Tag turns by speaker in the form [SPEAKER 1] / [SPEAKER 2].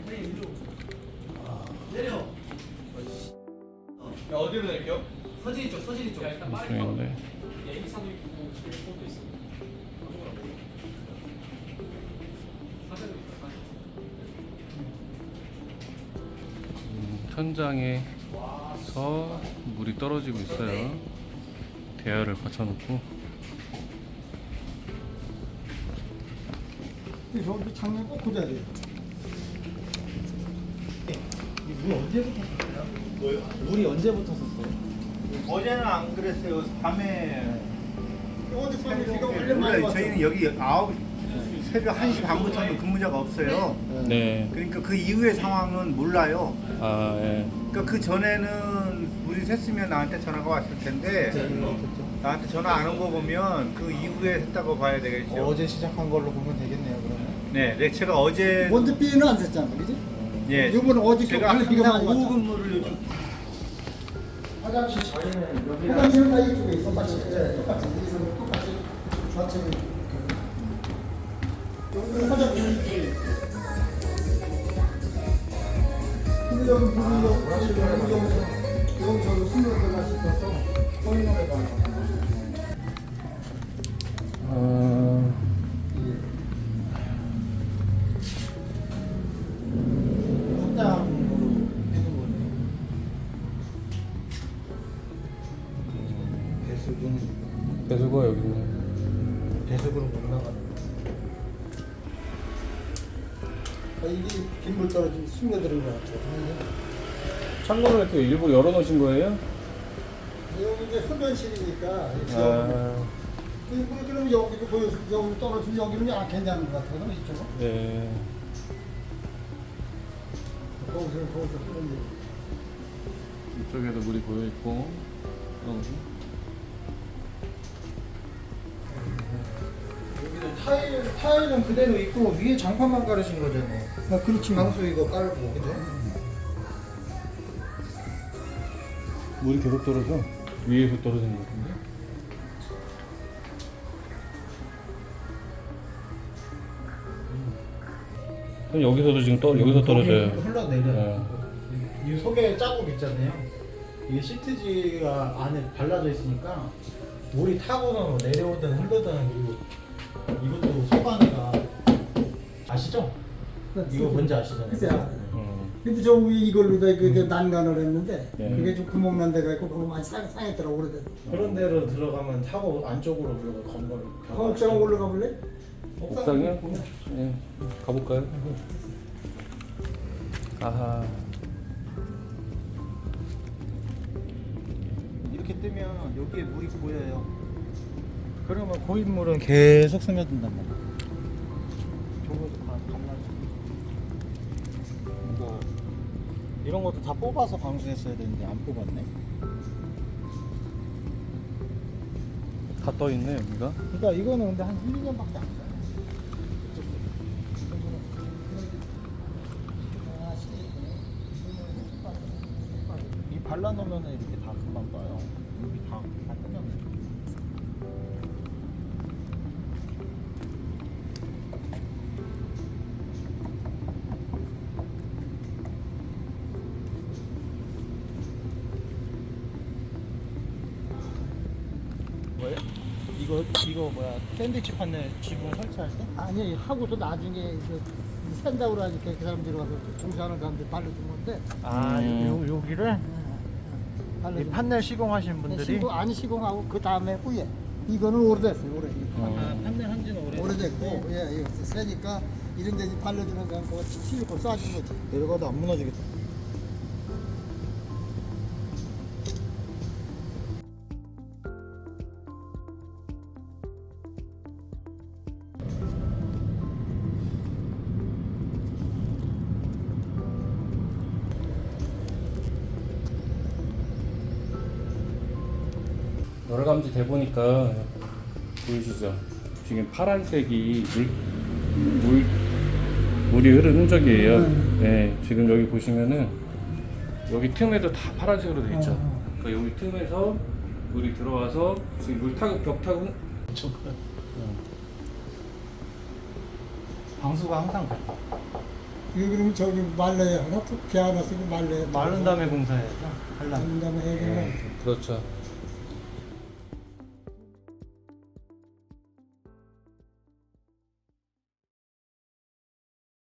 [SPEAKER 1] 내려.
[SPEAKER 2] 야, 어디로 낼게요?
[SPEAKER 1] 서진이 쪽, 서진이 쪽.
[SPEAKER 3] 이쪽인데.
[SPEAKER 2] 애기사도 있고 텔레폰도 있어. 사진도 있어.
[SPEAKER 3] 천장에서 물이 떨어지고 있어요. 대야를 받쳐놓고.
[SPEAKER 4] 저기 장면 꼭 그려야 돼요. 물 언제부터 썼어요?
[SPEAKER 1] 뭐요?
[SPEAKER 4] 물이 언제부터 썼어요?
[SPEAKER 1] 어제는 안 그랬어요. 밤에.
[SPEAKER 4] 어젯밤에 비가 원래 많이
[SPEAKER 1] 원래
[SPEAKER 4] 왔죠.
[SPEAKER 1] 저희는 여기 새벽 1시 반부터는 근무자가 없어요.
[SPEAKER 3] 네.
[SPEAKER 1] 그러니까 그 이후의 상황은 몰라요.
[SPEAKER 3] 아, 예.
[SPEAKER 1] 그러니까 그 전에는 물이 샜으면 나한테 전화가 왔을 텐데 나한테 전화 안 온 거 보면 그 이후에 했다고 봐야 되겠죠.
[SPEAKER 4] 어제 시작한 걸로 보면 되겠네요. 그러면.
[SPEAKER 1] 네, 제가 어제
[SPEAKER 4] 먼저 비는 안 샜잖아, 그지?
[SPEAKER 1] 예,
[SPEAKER 4] 이번에 어저께
[SPEAKER 1] 제가
[SPEAKER 4] 원래 비가
[SPEAKER 1] 항상
[SPEAKER 4] 많이
[SPEAKER 1] 오후
[SPEAKER 4] 왔잖아.
[SPEAKER 1] 근무를 요즘
[SPEAKER 4] 화장실 저희는 여기 화장실은 다 이쪽에 있어. 똑같이 똑같이 이쪽은 똑같이 좌측은 여기는 화장실. 근데 여기 물이 여기서 숨을 들어갈 수 있어서 보이는 가 확장으로 해둔 거네요. 배수구는
[SPEAKER 3] 배수구가 여기 있네.
[SPEAKER 4] 배수구로 못 나가는 거. 이게 빗물 떨어지면 스며드는 것 같아요.
[SPEAKER 3] 창문을 이렇게 일부러 열어놓으신 거예요?
[SPEAKER 4] 여기 이제 흡연실이니까
[SPEAKER 3] 아,
[SPEAKER 4] 그럼 여기도 보여서 여기 떨어지면 여기는 안 괜찮은 것 같아요. 이쪽은
[SPEAKER 3] 네.
[SPEAKER 4] 거기서 흡연실.
[SPEAKER 3] 이쪽에도 물이 고여 있고.
[SPEAKER 4] 여기는 타일은 그대로 있고 위에 장판만 깔으신 거잖아요. 아, 그렇지. 방수 이거 깔고 그죠?
[SPEAKER 3] 물이 계속 떨어져. 위에서 떨어지는 것 같은데. 그럼 여기서도 지금 여기서 떨어져요.
[SPEAKER 4] 흘러내려요. 이 속에 자국 있잖아요. 이게 시트지가 안에 발라져 있으니까 물이 타고는 내려오든 흐르든 이것도 속 안에가 아시죠? 이거 뭔지 아시잖아요.
[SPEAKER 5] 글쎄요. 근데 저 위에 이걸로 다 그게 난간을 했는데
[SPEAKER 3] 네.
[SPEAKER 5] 그게 좀 구멍 난 데가 있고 그거 많이 상했더라고 오래됐어.
[SPEAKER 4] 그런 데로 들어가면 타고 안쪽으로 물고 건물을
[SPEAKER 5] 옥상 올라가 볼래?
[SPEAKER 3] 옥상이요? 네. 가볼까요? 아하.
[SPEAKER 4] 이렇게 뜨면 여기에 물이 고여요. 그러면 고인 물은 계속 스며든단 말이야. 저것도 강나죠. 이거 이런 것도 다 뽑아서 방수했어야 되는데 안 뽑았네.
[SPEAKER 3] 다 떠있네, 여기가.
[SPEAKER 4] 그러니까 이거는 근데 한 1, 2년밖에 안 돼요. 이 발라놓으면 이렇게 다 금방 떠요. 여기 다 끝났네. 뭐예요? 이거 뭐야? 샌드위치 판넬 지붕 설치할 때?
[SPEAKER 5] 아니 하고서 나중에 산다고 하니까 그 사람들이 와서 공사하는 사람들이 발라준 건데
[SPEAKER 4] 아, 여기를 이
[SPEAKER 5] 발라준
[SPEAKER 4] 판넬 시공하신
[SPEAKER 5] 거.
[SPEAKER 4] 분들이
[SPEAKER 5] 시공 아니 시공하고 그 다음에 후에 이거는 오래됐어요 오래.
[SPEAKER 4] 판넬 한지는
[SPEAKER 5] 오래됐고 예 세니까 이런 데 발라주는 사람 그거 실고 쏴준 거지.
[SPEAKER 4] 내려가도 안 무너지겠다.
[SPEAKER 3] 열감지 대보니까 보이시죠? 지금 파란색이 물이 흐른 흔적이에요. 네, 지금 여기 보시면은 여기 틈에도 다 파란색으로 돼 있죠. 그러니까 여기 틈에서 물이 들어와서 지금 물 타고 벽 타고
[SPEAKER 4] 방수가 항상 그래.
[SPEAKER 5] 이거 그러면 저기 말려야 하나? 비 하나 쓰고 말려야
[SPEAKER 4] 마른 다음에 공사해야죠.
[SPEAKER 5] 마른 다음에 해야 되나?
[SPEAKER 3] 그렇죠.